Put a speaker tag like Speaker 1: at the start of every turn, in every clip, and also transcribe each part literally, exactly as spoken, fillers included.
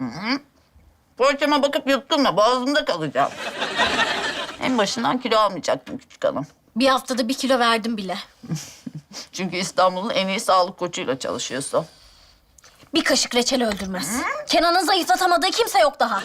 Speaker 1: Poğaçama bakıp yutturma, boğazımda kalacak. En başından kilo almayacaktım küçük hanım.
Speaker 2: Bir haftada bir kilo verdim bile.
Speaker 1: Çünkü İstanbul'un en iyi sağlık koçuyla çalışıyorsun.
Speaker 2: Bir kaşık reçel öldürmez. Kenan'ın zayıflatamadığı kimse yok daha.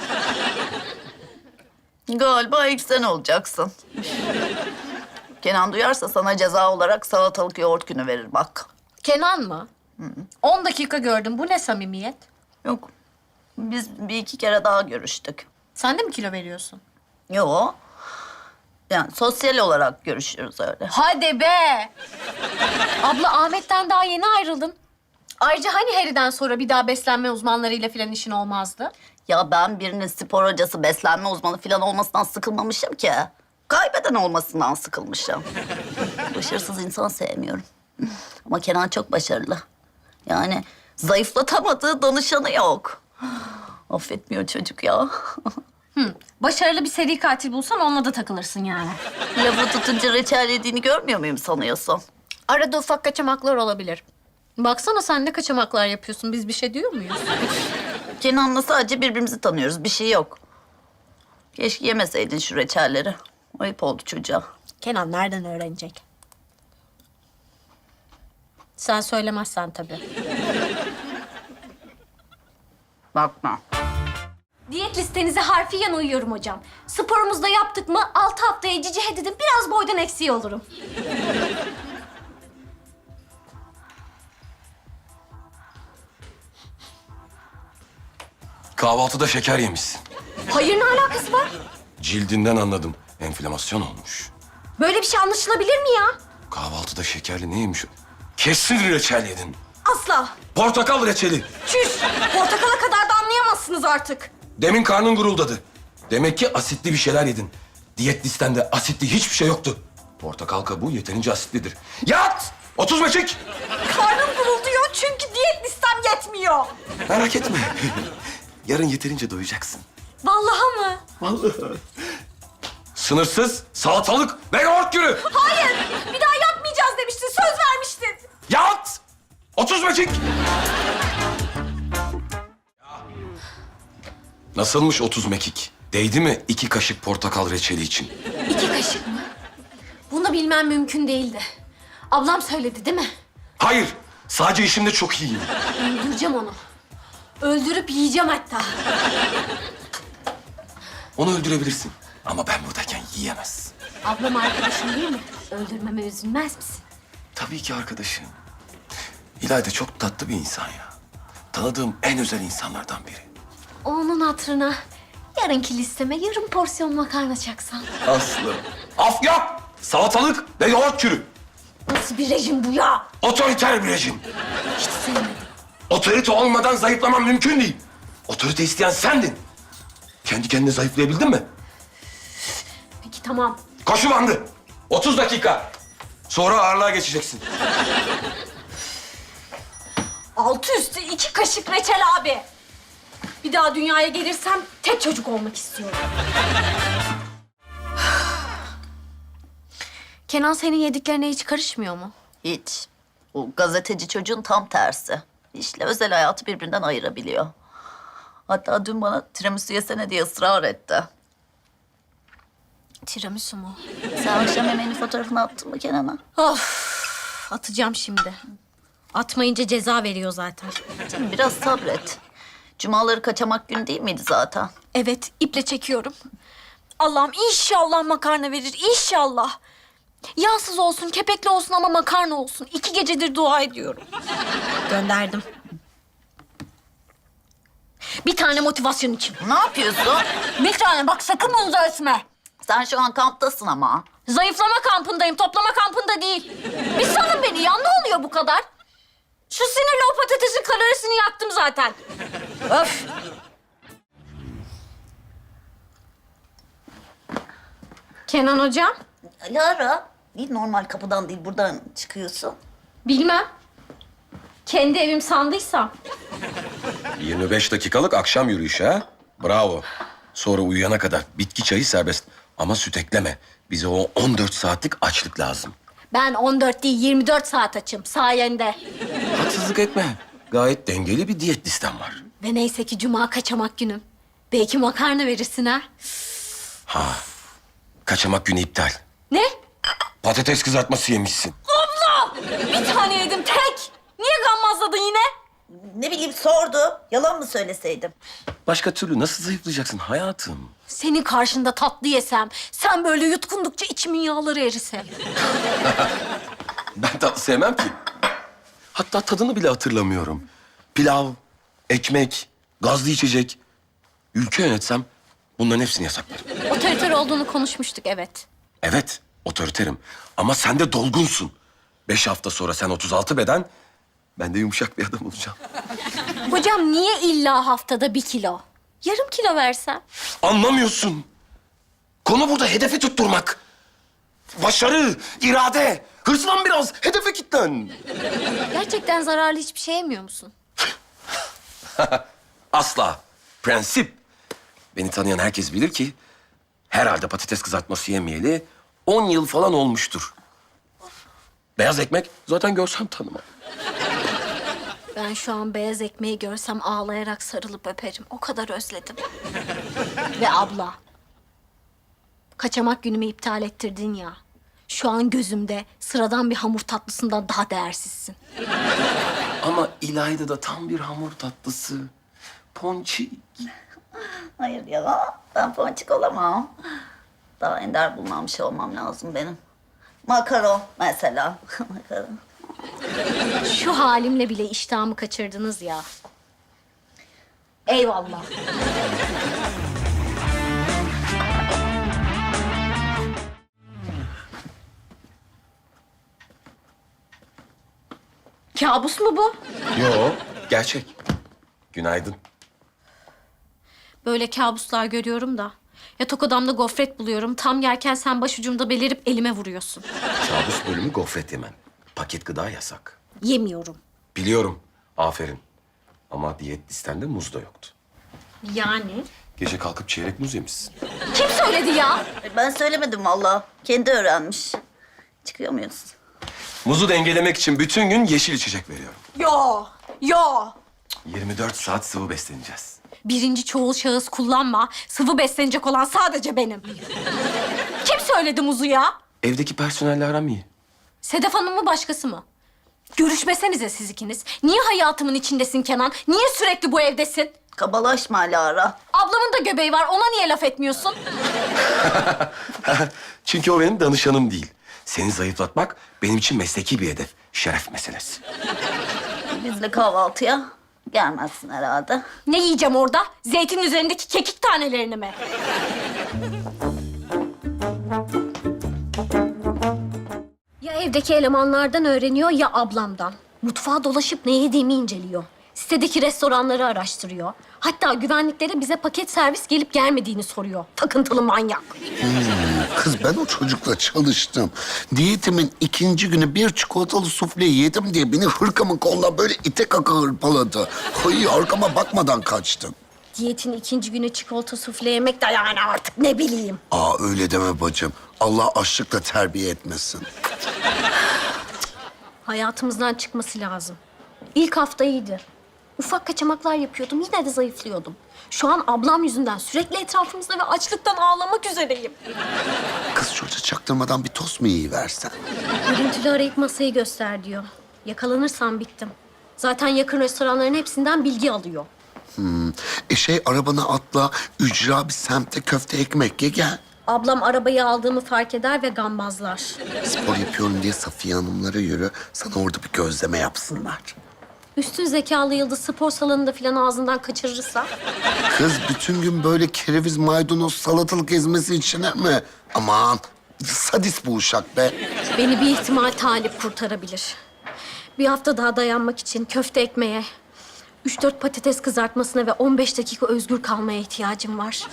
Speaker 1: Galiba ilk sen olacaksın. Kenan duyarsa sana ceza olarak salatalık yoğurt günü verir bak.
Speaker 2: Kenan mı? On dakika gördüm. Bu ne samimiyet?
Speaker 1: Yok, biz bir iki kere daha görüştük.
Speaker 2: Sen de mi kilo veriyorsun?
Speaker 1: Yo, yani sosyal olarak görüşüyoruz öyle.
Speaker 2: Hadi be! Abla Ahmet'ten daha yeni ayrıldın. Ayrıca hani Harry'den sonra bir daha beslenme uzmanlarıyla falan işin olmazdı?
Speaker 1: Ya ben birinin spor hocası, beslenme uzmanı falan olmasından sıkılmamışım ki. Kaybeden olmasından sıkılmışım. Başarısız insan sevmiyorum. Ama Kenan çok başarılı. Yani zayıflatamadığı danışanı yok. Affetmiyor çocuk ya.
Speaker 2: Hı. Başarılı bir seri katil bulsan onunla da takılırsın yani.
Speaker 1: Lafı tutunca reçel yediğini görmüyor muyum sanıyorsun?
Speaker 2: Arada ufak kaçamaklar olabilir. Baksana sen ne kaçamaklar yapıyorsun. Biz bir şey diyor muyuz?
Speaker 1: Kenan'la sadece birbirimizi tanıyoruz. Bir şey yok. Keşke yemeseydin şu reçelleri. Ayıp oldu çocuğa.
Speaker 2: Kenan nereden öğrenecek? Sen söylemezsen tabii.
Speaker 1: Bakma.
Speaker 2: Diyet listenize harfiyen uyuyorum hocam. Sporumuzu da yaptık mı altı haftaya cici dedim biraz boydan eksiği olurum.
Speaker 3: Kahvaltıda şeker yemişsin.
Speaker 2: Hayır ne alakası var?
Speaker 3: Cildinden anladım. Enflamasyon olmuş.
Speaker 2: Böyle bir şey anlaşılabilir mi ya?
Speaker 3: Kahvaltıda şekerli ne yemiş? Kesin reçel yedin.
Speaker 2: Asla.
Speaker 3: Portakal reçeli.
Speaker 2: Çüş. Portakala kadar da anlayamazsınız artık.
Speaker 3: Demin karnın guruldadı. Demek ki asitli bir şeyler yedin. Diyet listende asitli hiçbir şey yoktu. Portakal kabuğu yeterince asitlidir. Yat! otuz beşik!
Speaker 2: Karnım gurulduyor çünkü diyet listem yetmiyor.
Speaker 3: Merak etme. Yarın yeterince doyacaksın.
Speaker 2: Vallahi mı?
Speaker 3: Vallahi. Sınırsız salatalık ve yoğurt günü.
Speaker 2: Hayır. Bir daha yapmayacağız demiştin. Söz vermiştin.
Speaker 3: Yat! otuz beşik! Nasılmış otuz mekik? Değdi mi iki kaşık portakal reçeli için?
Speaker 2: İki kaşık mı? Bunu bilmem mümkün değildi. Ablam söyledi değil mi?
Speaker 3: Hayır, sadece işimde çok iyiyim.
Speaker 2: Öldüreceğim onu. Öldürüp yiyeceğim hatta.
Speaker 3: Onu öldürebilirsin ama ben buradayken yiyemez.
Speaker 2: Ablam arkadaşım değil mi? Öldürmeme üzülmez misin?
Speaker 3: Tabii ki arkadaşım. İlayda çok tatlı bir insan ya. Tanıdığım en özel insanlardan biri.
Speaker 2: Onun hatırına yarınki listeme yarım porsiyon makarna çaksan.
Speaker 3: Aslı. Af yok! Salatalık ve yoğurt kürü.
Speaker 2: Nasıl bir rejim bu ya?
Speaker 3: Otoriter bir rejim.
Speaker 2: Hiç sevmedim.
Speaker 3: Otorite olmadan zayıflamam mümkün değil. Otorite isteyen sendin. Kendi kendine zayıflayabildin mi?
Speaker 2: Peki tamam.
Speaker 3: Koşu bandı. otuz dakika. Sonra ağırlığa geçeceksin.
Speaker 2: Altı üstü iki kaşık reçel abi. Bir daha dünyaya gelirsem tek çocuk olmak istiyorum. Kenan senin yediklerine hiç karışmıyor mu?
Speaker 1: Hiç. Bu gazeteci çocuğun tam tersi. İşle özel hayatı birbirinden ayırabiliyor. Hatta dün bana tiramisu yesene diye ısrar etti.
Speaker 2: Tiramisu mu?
Speaker 1: Sen akşam yemeğinin fotoğrafını attın mı Kenan'a?
Speaker 2: Of, atacağım şimdi. Atmayınca ceza veriyor zaten.
Speaker 1: Canım biraz sabret. Cumaları kaçamak günü değil miydi zaten?
Speaker 2: Evet, iple çekiyorum. Allah'ım inşallah makarna verir, inşallah. Yağsız olsun, kepekli olsun ama makarna olsun. İki gecedir dua ediyorum. Gönderdim. Bir tane motivasyon için.
Speaker 1: Ne yapıyorsun?
Speaker 2: Bir tane bak sakın bunu da etme.
Speaker 1: Sen şu an kamptasın ama.
Speaker 2: Zayıflama kampındayım, toplama kampında değil. Bir salın beni ya, ne oluyor bu kadar? Şu sinirli o patatesin kalorisini yaktım zaten. Öf! Kenan hocam?
Speaker 1: Lara, niye normal kapıdan değil buradan çıkıyorsun?
Speaker 2: Bilmem. Kendi evim sandıysam.
Speaker 3: yirmi beş dakikalık akşam yürüyüşü ha? Bravo. Sonra uyuyana kadar bitki çayı serbest. Ama süt ekleme. Bize o on dört saatlik açlık lazım.
Speaker 2: Ben on dört değil yirmi dört saat açım sayende.
Speaker 3: Haksızlık etme. Gayet dengeli bir diyet listem var.
Speaker 2: Ve neyse ki cuma kaçamak günüm. Belki makarna verirsin ha.
Speaker 3: Ha, kaçamak günü iptal.
Speaker 2: Ne?
Speaker 3: Patates kızartması yemişsin.
Speaker 2: Abla! Bir tane yedim tek. Niye gammazladın yine?
Speaker 1: Ne bileyim sordu. Yalan mı söyleseydim?
Speaker 3: Başka türlü nasıl zayıflayacaksın hayatım?
Speaker 2: Senin karşında tatlı yesem, sen böyle yutkundukça içimin yağları erise.
Speaker 3: Ben tatlı sevmem ki. Hatta tadını bile hatırlamıyorum. Pilav, ekmek, gazlı içecek. Ülke yönetsem bunların hepsini yasaklarım.
Speaker 2: Otoriter olduğunu konuşmuştuk, evet.
Speaker 3: Evet, otoriterim. Ama sen de dolgunsun. Beş hafta sonra sen otuz altı beden, ben de yumuşak bir adam olacağım.
Speaker 2: Hocam niye illa haftada bir kilo? Yarım kilo versen.
Speaker 3: Anlamıyorsun. Konu burada hedefi tutturmak. Başarı, irade. Hırslan biraz, hedefe kilitlen.
Speaker 2: Gerçekten zararlı hiçbir şey yemiyor musun?
Speaker 3: Asla. Prensip. Beni tanıyan herkes bilir ki herhalde patates kızartması yemeyeli on yıl falan olmuştur. Beyaz ekmek zaten görsem tanımam.
Speaker 2: Ben şu an beyaz ekmeği görsem ağlayarak sarılıp öperim. O kadar özledim. Ve abla, kaçamak günümü iptal ettirdin ya. Şu an gözümde sıradan bir hamur tatlısından daha değersizsin.
Speaker 3: Ama İlayda da tam bir hamur tatlısı. Ponçik.
Speaker 1: Hayır ya. Ben ponçik olamam. Daha ender bulunan bir şey olmam lazım benim. Makaron mesela. Makaron.
Speaker 2: Şu halimle bile iştahımı kaçırdınız ya. Eyvallah. Kabus mu bu?
Speaker 3: Yo, gerçek. Günaydın.
Speaker 2: Böyle kabuslar görüyorum da. Yatak odamda gofret buluyorum. Tam yerken sen başucumda belirip elime vuruyorsun.
Speaker 3: Kabus bölümü gofret yemen. Paket gıda yasak.
Speaker 2: Yemiyorum.
Speaker 3: Biliyorum. Aferin. Ama diyet listende muz da yoktu.
Speaker 2: Yani?
Speaker 3: Gece kalkıp çeyrek muz yemişsin.
Speaker 2: Kim söyledi ya?
Speaker 1: Ben söylemedim vallahi. Kendi öğrenmiş. Çıkıyor muyuz?
Speaker 3: Muzu dengelemek için bütün gün yeşil içecek veriyorum.
Speaker 2: Yo, yo.
Speaker 3: yirmi dört saat sıvı besleneceğiz.
Speaker 2: Birinci çoğul şahıs kullanma. Sıvı beslenecek olan sadece benim. Kim söyledi muzu ya?
Speaker 3: Evdeki personelle aram iyi.
Speaker 2: Sedef Hanım mı başkası mı? Görüşmesenize siz ikiniz. Niye hayatımın içindesin Kenan? Niye sürekli bu evdesin?
Speaker 1: Kabalaşma Alara.
Speaker 2: Ablamın da göbeği var. Ona niye laf etmiyorsun?
Speaker 3: Çünkü o benim danışanım değil. Seni zayıflatmak benim için mesleki bir hedef. Şeref meselesi.
Speaker 1: Bizle kahvaltıya gelmezsin herhalde.
Speaker 2: Ne yiyeceğim orada? Zeytinin üzerindeki kekik tanelerini mi? Ya evdeki elemanlardan öğreniyor ya ablamdan. Mutfağa dolaşıp ne yediğimi inceliyor. Sitedeki restoranları araştırıyor. Hatta güvenliklere bize paket servis gelip gelmediğini soruyor. Takıntılı manyak.
Speaker 4: Kız ben o çocukla çalıştım. Diyetimin ikinci günü bir çikolatalı sufle yedim diye beni hırkamın koluna böyle ite kaka hırpaladı. Ay arkama bakmadan kaçtım.
Speaker 2: Diyetin ikinci günü çikolata sufle yemek de yani artık ne bileyim.
Speaker 4: Aa öyle deme bacım. Allah açlıkla terbiye etmesin.
Speaker 2: Hayatımızdan çıkması lazım. İlk hafta iyiydi. Ufak kaçamaklar yapıyordum, yine de zayıflıyordum. Şu an ablam yüzünden sürekli etrafımızda ve açlıktan ağlamak üzereyim.
Speaker 4: Kız çocuğa çaktırmadan bir tost mu yiyiversen?
Speaker 2: Görüntülü arayıp masayı göster diyor. Yakalanırsam bittim. Zaten yakın restoranların hepsinden bilgi alıyor.
Speaker 4: E şey arabana atla, ücra bir semte köfte ekmek ye gel.
Speaker 2: Ablam arabayı aldığımı fark eder ve gambazlar.
Speaker 4: Spor yapıyorum diye Safiye Hanımlara yürü. Sana orada bir gözleme yapsınlar.
Speaker 2: Üstün zekalı yıldız spor salonunda falan ağzından kaçırırsa...
Speaker 4: Kız bütün gün böyle kereviz, maydanoz, salatalık ezmesi içine mi? Aman sadist bu uşak be.
Speaker 2: Beni bir ihtimal talip kurtarabilir. Bir hafta daha dayanmak için köfte ekmeğe, üç dört patates kızartmasına ve on beş dakika özgür kalmaya ihtiyacım var.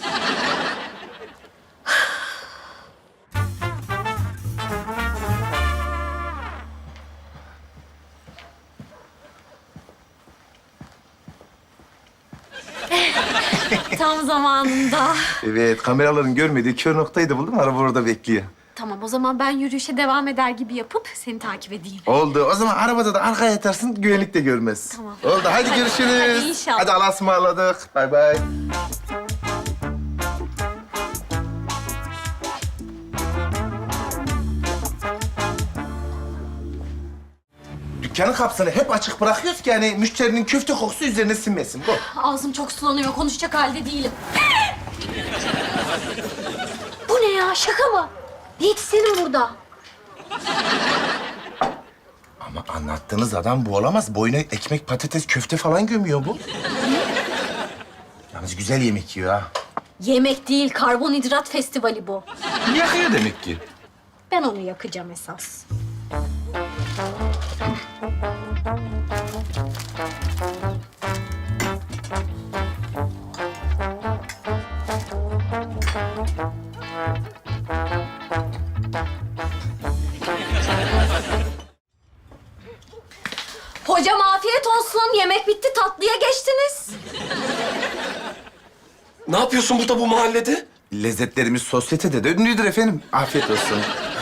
Speaker 2: Tam zamanında.
Speaker 5: Evet, kameraların görmediği kör noktayı da buldum. Araba orada bekliyor.
Speaker 2: Tamam, o zaman ben yürüyüşe devam eder gibi yapıp seni takip edeyim.
Speaker 5: Oldu. O zaman arabada da arkaya yatarsın, güvenlik de görmez.
Speaker 2: Tamam.
Speaker 5: Oldu. Hadi görüşürüz.
Speaker 2: Hadi inşallah.
Speaker 5: Hadi Allah'a ısmarladık. Bay bay. Dükkanın kapısını hep açık bırakıyoruz ki yani müşterinin köfte kokusu üzerine sinmesin. Bu.
Speaker 2: Ağzım çok sulanıyor, konuşacak halde değilim. Bu ne ya, şaka mı? Diyetisyenim burada.
Speaker 5: Ama anlattığınız adam bu olamaz. Boyuna ekmek, patates, köfte falan gömüyor bu. Yalnız güzel yemek yiyor ha.
Speaker 2: Yemek değil, karbonhidrat festivali bu.
Speaker 5: Yakıyor demek ki.
Speaker 2: Ben onu yakacağım esas. Hocam afiyet olsun. Yemek bitti, tatlıya geçtiniz.
Speaker 3: Ne yapıyorsun burada bu mahallede?
Speaker 5: Lezzetlerimiz sosyetede de ünlüdür efendim. Afiyet olsun.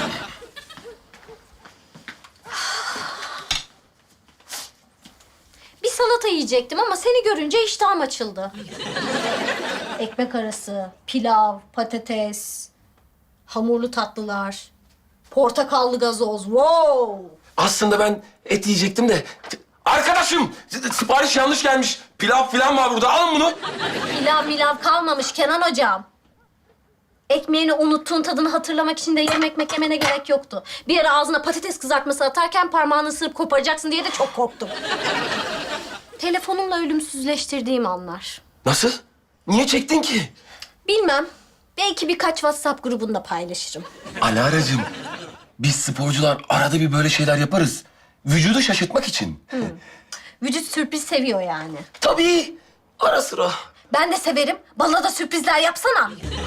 Speaker 2: Bir salata yiyecektim ama seni görünce iştahım açıldı. Ekmek arası, pilav, patates, hamurlu tatlılar, portakallı gazoz. Wow!
Speaker 3: Aslında ben et yiyecektim de... Arkadaşım, sipariş yanlış gelmiş. Pilav falan var burada. Alın bunu.
Speaker 2: Pilav milav kalmamış Kenan hocam. Ekmeğini unuttuğun tadını hatırlamak için de yarım ekmek yemene gerek yoktu. Bir ara ağzına patates kızartması atarken parmağını ısırıp koparacaksın diye de çok korktum. Telefonumla ölümsüzleştirdiğim anlar.
Speaker 3: Nasıl? Niye çektin ki?
Speaker 2: Bilmem. Belki birkaç WhatsApp grubunda paylaşırım.
Speaker 3: Alaracığım, biz sporcular arada bir böyle şeyler yaparız. Vücudu şaşırtmak için.
Speaker 2: Vücut sürpriz seviyor yani.
Speaker 3: Tabii, ara sıra.
Speaker 2: Ben de severim. Bana da sürprizler yapsana.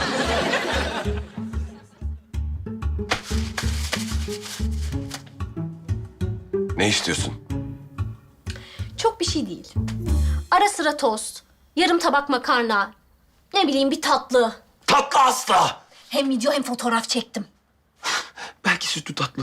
Speaker 3: Ne istiyorsun?
Speaker 2: Çok bir şey değil. Ara sıra tost, yarım tabak makarna, ne bileyim bir tatlı.
Speaker 3: Tatlı asla.
Speaker 2: Hem video hem fotoğraf çektim.
Speaker 3: Belki sütlü tatlı.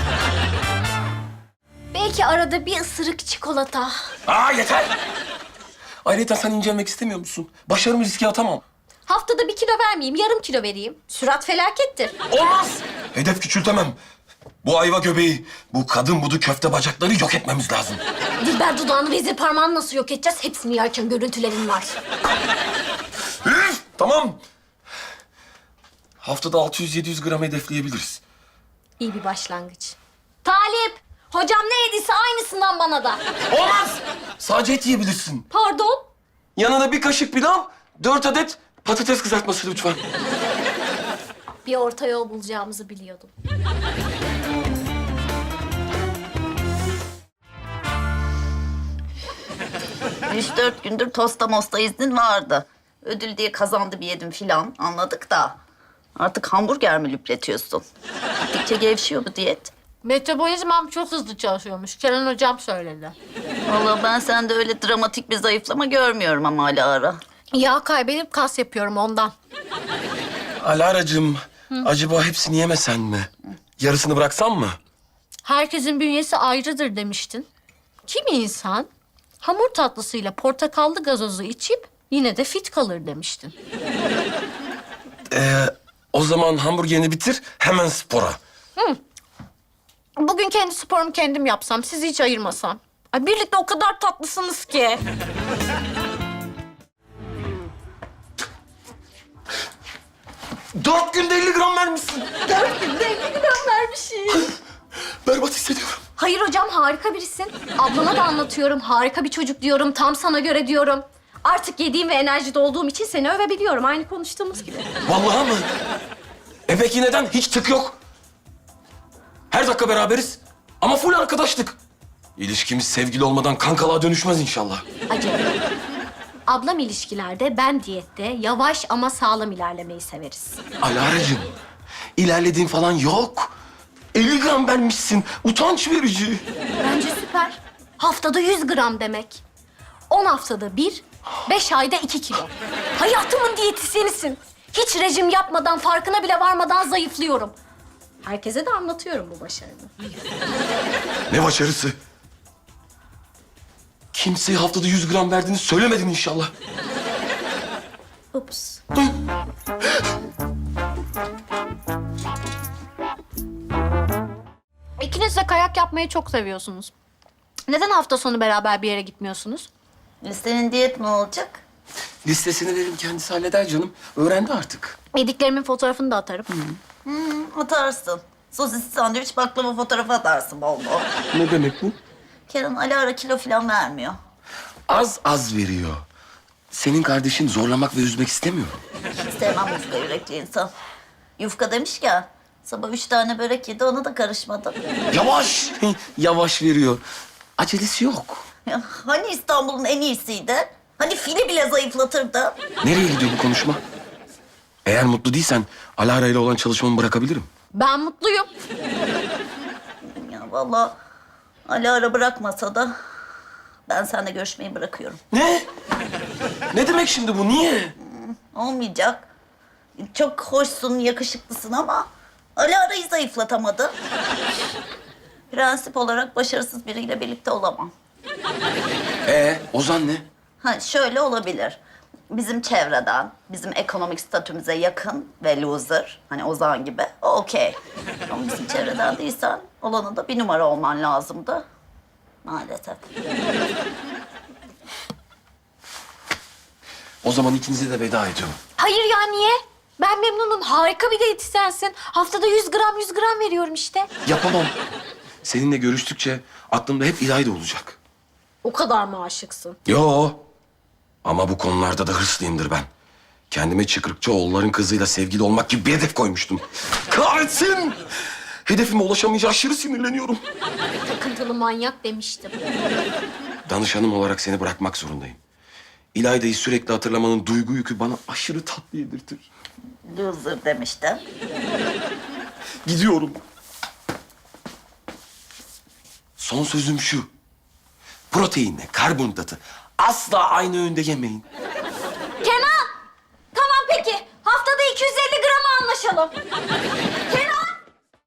Speaker 2: Belki arada bir ısırık çikolata.
Speaker 3: Aa yeter. Ayrıca sen incelmek istemiyor musun? Başarımı riske atamam.
Speaker 2: Haftada bir kilo vermeyeyim, yarım kilo vereyim. Sürat felakettir.
Speaker 3: Olmaz. Hedef küçültemem. Bu ayva göbeği, bu kadın budu köfte bacakları yok etmemiz lazım.
Speaker 2: Dilber dudağını, vezir parmağını nasıl yok edeceğiz? Hepsini yerken görüntülerim var.
Speaker 3: Üf, tamam. Haftada altı yüz yedi yüz gram hedefleyebiliriz.
Speaker 2: İyi bir başlangıç. Talip, hocam ne yediyse aynısından bana da.
Speaker 3: Olmaz. Sadece et yiyebilirsin.
Speaker 2: Pardon?
Speaker 3: Yanına bir kaşık pilav, dört adet patates kızartması lütfen.
Speaker 2: Bir orta yol bulacağımızı biliyordum.
Speaker 1: Üç dört gündür tosta mosta iznin vardı. Ödül diye kazandı bir yedim filan anladık da. Artık hamburger mi lüpletiyorsun? Gittikçe gevşiyor bu diyet.
Speaker 2: Metabolizmam çok hızlı çalışıyormuş. Kenan hocam söyledi.
Speaker 1: Vallahi ben sende öyle dramatik bir zayıflama görmüyorum ama hala ara.
Speaker 2: Yağ kaybedip kas yapıyorum ondan.
Speaker 3: Alaracığım, acaba hepsini yemesen mi? Yarısını bıraksan mı?
Speaker 2: Herkesin bünyesi ayrıdır demiştin. Kimi insan hamur tatlısıyla portakallı gazozu içip yine de fit kalır demiştin.
Speaker 3: Ee, o zaman hamburgerini bitir, hemen spora.
Speaker 2: Bugün kendi sporumu kendim yapsam, sizi hiç ayırmasam. Ay birlikte o kadar tatlısınız ki.
Speaker 3: Dört günde elli gram vermişsin.
Speaker 2: Dört günde elli gram vermişim.
Speaker 3: Berbat hissediyorum.
Speaker 2: Hayır hocam, harika birisin. Ablama da anlatıyorum. Harika bir çocuk diyorum. Tam sana göre diyorum. Artık yediğim ve enerjide olduğum için seni övebiliyorum. Aynı konuştuğumuz gibi.
Speaker 3: Vallahi mı? E peki neden? Hiç tık yok. Her dakika beraberiz. Ama full arkadaşlık. İlişkimiz sevgili olmadan kankalığa dönüşmez inşallah.
Speaker 2: Acaba. Ablam ilişkilerde, ben diyette yavaş ama sağlam ilerlemeyi severiz.
Speaker 3: Alaracığım, ilerlediğin falan yok. elli gram vermişsin. Utanç verici.
Speaker 2: Bence süper. Haftada yüz gram demek. On haftada bir, beş ayda iki kilo. Hayatımın diyetisyenisin. Hiç rejim yapmadan, farkına bile varmadan zayıflıyorum. Herkese de anlatıyorum bu başarımı.
Speaker 3: Ne başarısı? Kimseye haftada yüz gram verdiğini söylemedin inşallah.
Speaker 1: Ups.
Speaker 6: İkiniz de kayak yapmayı çok seviyorsunuz. Neden hafta sonu beraber bir yere gitmiyorsunuz?
Speaker 1: Senin diyet mi olacak?
Speaker 3: Listesini verin, kendisi halleder canım. Öğrendi artık.
Speaker 6: Yediklerimin fotoğrafını da atarım.
Speaker 1: Atarsın. Sosisli sandviç, baklava fotoğrafı atarsın bol bol.
Speaker 3: Ne demek bu?
Speaker 1: Kenan Ali ara kilo falan vermiyor.
Speaker 3: Az az veriyor. Senin kardeşin zorlamak ve üzmek istemiyor.
Speaker 1: Hiç sevmem yufka yürekli insan. Yufka demişken sabah üç tane börek yedi, ona da karışmadı.
Speaker 3: Yavaş, yavaş veriyor. Acelesi yok.
Speaker 1: Ya, hani İstanbul'un en iyisiydi? Hani fili bile zayıflatırdı?
Speaker 3: Nereye gidiyor bu konuşma? Eğer mutlu değilsen Alara ile olan çalışmamı bırakabilirim.
Speaker 6: Ben mutluyum.
Speaker 1: Ya vallahi Ali ara bırakmasa da ben seninle görüşmeyi bırakıyorum.
Speaker 3: Ne? Ne demek şimdi bu? Niye?
Speaker 1: Olmayacak. Çok hoşsun, yakışıklısın ama Ali arayı zayıflatamadı. Prensip olarak başarısız biriyle birlikte olamam.
Speaker 3: Ee, Ozan ne?
Speaker 1: Ha şöyle olabilir. Bizim çevreden, bizim ekonomik statümüze yakın ve loser, hani Ozan gibi, o okey. Ama bizim çevreden değilsen olanın da bir numara olman lazımdı. Maalesef.
Speaker 3: O zaman ikinize de veda ediyorum.
Speaker 6: Hayır ya niye? Ben memnunum. Harika bir diyetisyensin. Haftada yüz gram yüz gram veriyorum işte.
Speaker 3: Yapamam. Seninle görüştükçe aklımda hep İlayda olacak.
Speaker 2: O kadar mı aşıksın?
Speaker 3: Yo. Ama bu konularda da hırslıyımdır ben. Kendime Çıkrıkçıoğulların kızıyla sevgili olmak gibi bir hedef koymuştum. Kahretsin! Hedefime ulaşamayınca aşırı sinirleniyorum.
Speaker 2: Takıntılı manyak demiştim.
Speaker 3: Danışanım olarak seni bırakmak zorundayım. İlayda'yı sürekli hatırlamanın duygu yükü bana aşırı tatlı yedirtir.
Speaker 1: Loser demişti.
Speaker 3: Gidiyorum. Son sözüm şu. Proteinle karbonhidratı asla aynı öğünde yemeyin.
Speaker 2: Kenan! Tamam peki. Haftada iki yüz elli grama anlaşalım.